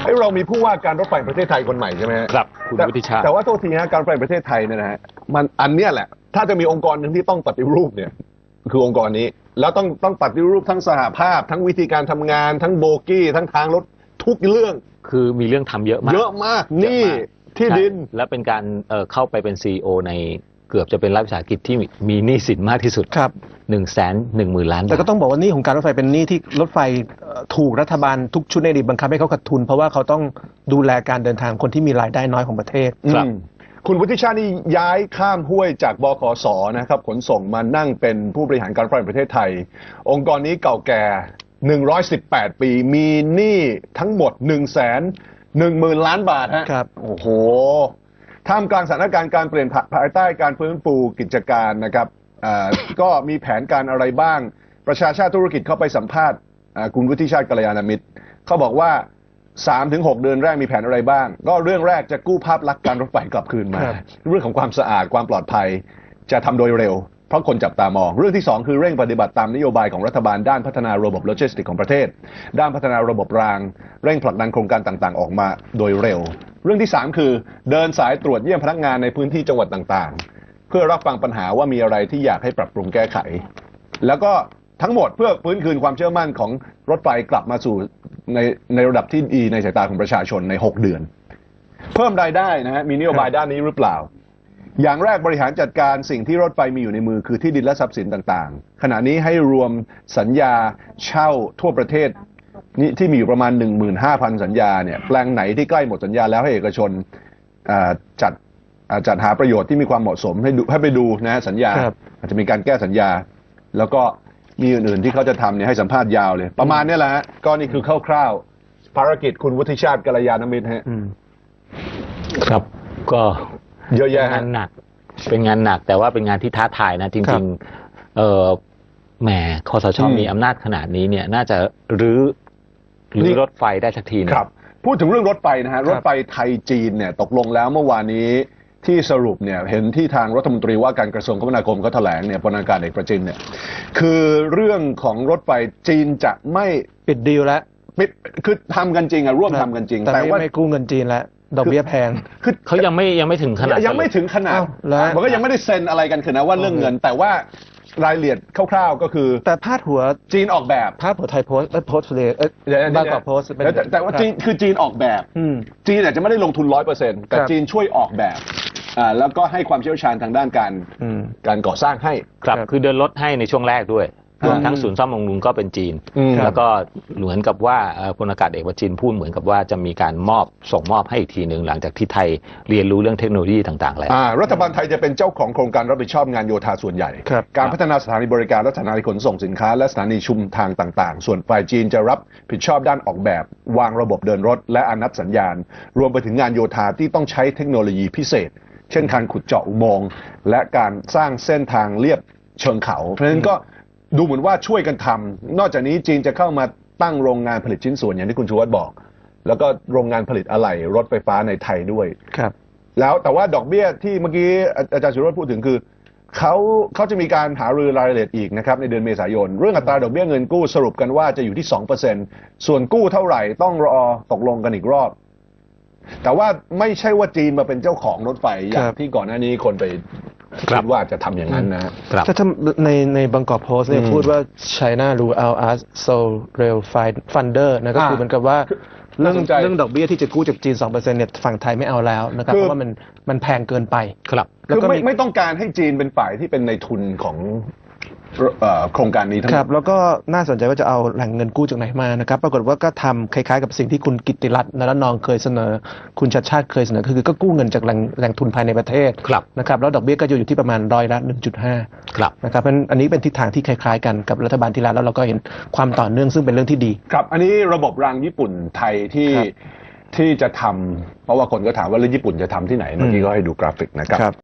เรามีผู้ว่าการรถไฟประเทศไทยคนใหม่ใช่ไหมครับคุณวุฒิชาติแต่ว่าโทษทีฮะการรถไฟประเทศไทยเนี่ยนะฮะมันอันเนี้ยแหละถ้าจะมีองค์กรหนึ่งที่ต้องปฏิรูปเนี่ยคือองค์กรนี้แล้วต้องปฏิรูปทั้งสหภาพทั้งวิธีการทำงานทั้งโบกี้ทั้งทางรถทุกเรื่องคือมีเรื่องทำเยอะมากนี่ที่ดินและเป็นการเข้าไปเป็น CEO ในเกือบจะเป็นรัฐวิสาหกิจที่มีหนี้สินมากที่สุดครับ 110,000 ล้านบาทแต่ก็ต้องบอกว่าหนี้ของการรถไฟเป็นหนี้ที่รถไฟถูกรัฐบาลทุกชุดในอดีตบังคับให้เขาขาดทุนเพราะว่าเขาต้องดูแลการเดินทางคนที่มีรายได้น้อยของประเทศครับคุณวุฒิชาตินี่ย้ายข้ามห้วยจากบขส.นะครับขนส่งมานั่งเป็นผู้บริหารการรถไฟประเทศไทยองค์กรนี้เก่าแก่118 ปีมีหนี้ทั้งหมด110,000 ล้านบาทฮะครับโอ้โหท่ามกลางสถานการณ์การเปลี่ยนภายใต้การฟื้นฟูกิจการนะครับก็มีแผนการอะไรบ้างประชาชาติธุรกิจเข้าไปสัมภาษณ์คุณวุฒิชาติกัลยาณมิตรเขาบอกว่า 3-6 เดือนแรกมีแผนอะไรบ้างก็เรื่องแรกจะกู้ภาพลักษณ์การรถไฟกลับคืนมาเรื่องของความสะอาดความปลอดภัยจะทำโดยเร็วเพราะคนจับตามองเรื่องที่2คือเร่งปฏิบัติตามนโยบายของรัฐบาลด้านพัฒนาระบบโลจิสติกของประเทศด้านพัฒนาระบบรางเร่งผลักดันโครงการต่างๆออกมาโดยเร็วเรื่องที่3คือเดินสายตรวจเยี่ยมพนักงานในพื้นที่จังหวัดต่างๆเพื่อรับฟังปัญหาว่ามีอะไรที่อยากให้ปรับปรุงแก้ไขแล้วก็ทั้งหมดเพื่อฟื้นคืนความเชื่อมั่นของรถไฟกลับมาสู่ในระดับที่ดีในสายตาของประชาชนใน6เดือนเพิ่มรายได้นะฮะมีนโยบายด้านนี้หรือเปล่าอย่างแรกบริหารจัดการสิ่งที่รถไฟมีอยู่ในมือคือที่ดินและทรัพย์สินต่างๆขณะนี้ให้รวมสัญญาเช่าทั่วประเทศนี่ที่มีอยู่ประมาณ 15,000 สัญญาเนี่ยแปลงไหนที่ใกล้หมดสัญญาแล้วให้เอกชนจัดหาประโยชน์ที่มีความเหมาะสมให้ไปดูนะสัญญาอาจจะมีการแก้สัญญาแล้วก็มีอื่นๆที่เขาจะทำเนี่ยให้สัมภาษณ์ยาวเลยประมาณนี้แหละฮะก็นี่คือคร่าวๆภารกิจคุณวุฒิชาติกัลยาณมิตรฮะครับก็เยอะแยะงานหนักเป็นงานหนักแต่ว่าเป็นงานที่ท้าทายนะจริงๆแหมคสช.มีอำนาจขนาดนี้เนี่ยน่าจะรื้อรถไฟได้สักทีครับพูดถึงเรื่องรถไฟนะฮะรถไฟไทยจีนเนี่ยตกลงแล้วเมื่อวานนี้ที่สรุปเนี่ยเห็นที่ทางรัฐมนตรีว่าการกระทรวงคมนาคมเขาแถลงเนี่ยพลอากาศเอกประจินเนี่ยคือเรื่องของรถไฟจีนจะไม่ปิดดีลแล้วคือทำกันจริงอะร่วมทำกันจริงแต่ว่าไม่กู้เงินจีนแล้วดอกเบี้ยแพงคือเขายังไม่ถึงขนาดยังไม่ถึงขนาดมันก็ยังไม่ได้เซ็นอะไรกันคือนะว่าเรื่องเงินแต่ว่ารายละเอียดคร่าวๆก็คือแต่พาดหัวจีนออกแบบพาดหัวไทยโพสต์โพสต์เลยบางกอกโพสต์แต่ว่าจีนคือจีนออกแบบจีนอาจจะไม่ได้ลงทุน 100% แต่จีนช่วยออกแบบแล้วก็ให้ความเชี่ยวชาญทางด้านการก่อสร้างให้ครับคือเดินรถให้ในช่วงแรกด้วยรวมทั้งศูนย์ซ่อมบำรุงก็เป็นจีนแล้วก็เหมือนกับว่าพลอากาศเอกวชินพูดเหมือนกับว่าจะมีการส่งมอบให้อีกทีหนึ่งหลังจากที่ไทยเรียนรู้เรื่องเทคโนโลยีต่างๆแล้วรัฐบาลไทยจะเป็นเจ้าของโครงการรับผิดชอบงานโยธาส่วนใหญ่การพัฒนาสถานีบริการและสถานีขนส่งสินค้าและสถานีชุมทางต่างๆส่วนฝ่ายจีนจะรับผิดชอบด้านออกแบบวางระบบเดินรถและอนุสัญญาณรวมไปถึงงานโยธาที่ต้องใช้เทคโนโลยีพิเศษเช่นการขุดเจาะอุโมงค์และการสร้างเส้นทางเลียบเชิงเขาเพราะฉะนั้นก็ดูเหมือนว่าช่วยกันทำนอกจากนี้จีนจะเข้ามาตั้งโรงงานผลิตชิ้นส่วนอย่างที่คุณชูวัฒน์บอกแล้วก็โรงงานผลิตอะไหล่รถไฟฟ้าในไทยด้วยครับแล้วแต่ว่าดอกเบี้ยที่เมื่อกี้อาจารย์สุรสพูดถึงคือเขาจะมีการหารือรายละเอียดอีกนะครับในเดือนเมษายนเรื่องอัตราดอกเบี้ยเงินกู้สรุปกันว่าจะอยู่ที่ 2% ส่วนกู้เท่าไหร่ต้องรอตกลงกันอีกรอบแต่ว่าไม่ใช่ว่าจีนมาเป็นเจ้าของรถไฟอย่างที่ก่อนหน้านี้คนไปคิดว่าจะทำอย่างนั้นนะถ้าในบางกอกโพสต์เนี่ยพูดว่า China rule out us so rail funder นะก็คือเหมือนกับว่าเรื่องดอกเบี้ยที่จะกู้จากจีน 2% เนี่ยฝั่งไทยไม่เอาแล้วนะครับเพราะว่ามันแพงเกินไปครับแล้วก็ไม่ต้องการให้จีนเป็นฝ่ายที่เป็นในทุนของโครงการนี้ทั้งหมดครับแล้วก็น่าสนใจว่าจะเอาแหล่งเงินกู้จากไหนมานะครับปรากฏว่าก็ทำคล้ายๆกับสิ่งที่คุณกิตติรัตน์นรนองเคยเสนอคุณชัดชาติเคยเสนอคือก็กู้เงินจากแหล่งทุนภายในประเทศนะครับแล้วดอกเบี้ยก็จะอยู่ที่ประมาณ100% ครับนะครับอันนี้เป็นทิศทางที่คล้ายๆกันกับรัฐบาลที่แล้วเราก็เห็นความต่อเนื่องซึ่งเป็นเรื่องที่ดีครับอันนี้ระบบรางญี่ปุ่นไทยที่จะทำเพราะว่าคนก็ถามว่าแล้วญี่ปุ่นจะทำที่ไหนเมื่อกี้ก็ให้ดูกราฟิกนะครับ